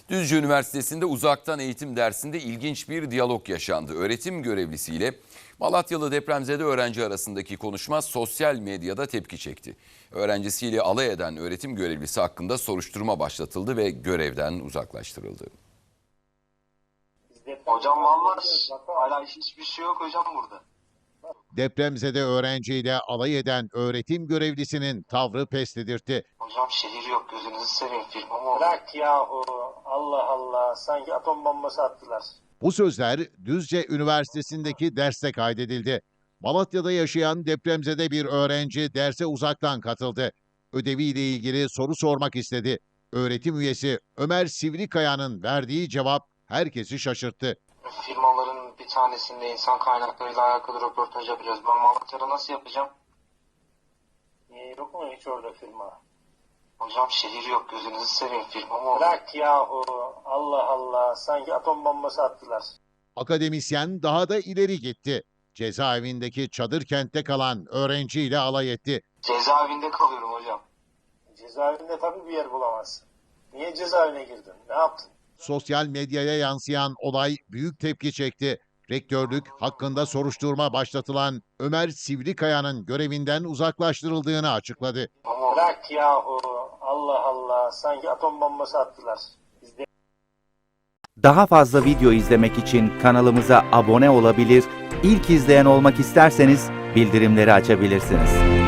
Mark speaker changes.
Speaker 1: Düzce Üniversitesi'nde uzaktan eğitim dersinde ilginç bir diyalog yaşandı. Öğretim görevlisiyle Malatyalı depremzede öğrenci arasındaki konuşma sosyal medyada tepki çekti. Öğrencisiyle alay eden öğretim görevlisi hakkında soruşturma başlatıldı ve görevden uzaklaştırıldı.
Speaker 2: Hocam vallahi hala hiçbir şey yok hocam burada.
Speaker 3: Depremzede öğrenciyle alay eden öğretim görevlisinin tavrı pes dedirtti.
Speaker 2: Hocam şehir yok, gözünüzü seveyim, firma mı oldu?
Speaker 4: Bırak yahu, Allah Allah, sanki atom bombası attılar.
Speaker 3: Bu sözler Düzce Üniversitesi'ndeki derste kaydedildi. Malatya'da yaşayan depremzede bir öğrenci derse uzaktan katıldı. Ödeviyle ilgili soru sormak istedi. Öğretim üyesi Ömer Sivrikaya'nın verdiği cevap herkesi şaşırttı.
Speaker 2: Firmaların bir tanesinde insan kaynaklarıyla alakalı röportaj yapacağız. Ben Malatya'da nasıl yapacağım?
Speaker 4: Niye yok mu hiç orada firma?
Speaker 2: Hocam şehir yok, gözünüzü seveyim, firma mı oldu?
Speaker 4: Bırak yahu, Allah Allah, sanki atom bombası attılar.
Speaker 3: Akademisyen daha da ileri gitti. Cezaevindeki çadır kentte kalan öğrenciyle alay etti.
Speaker 2: Cezaevinde kalıyorum hocam.
Speaker 4: Cezaevinde tabii bir yer bulamazsın. Niye cezaevine girdin? Ne yaptın?
Speaker 3: Sosyal medyaya yansıyan olay büyük tepki çekti. Rektörlük hakkında soruşturma başlatılan Ömer Sivrikaya'nın görevinden uzaklaştırıldığını açıkladı.
Speaker 2: Firma mı oldu?
Speaker 4: Bırak yahu, Allah Allah, sanki atom bombası attılar.
Speaker 5: Daha fazla video izlemek için kanalımıza abone olabilir, ilk izleyen olmak isterseniz bildirimleri açabilirsiniz.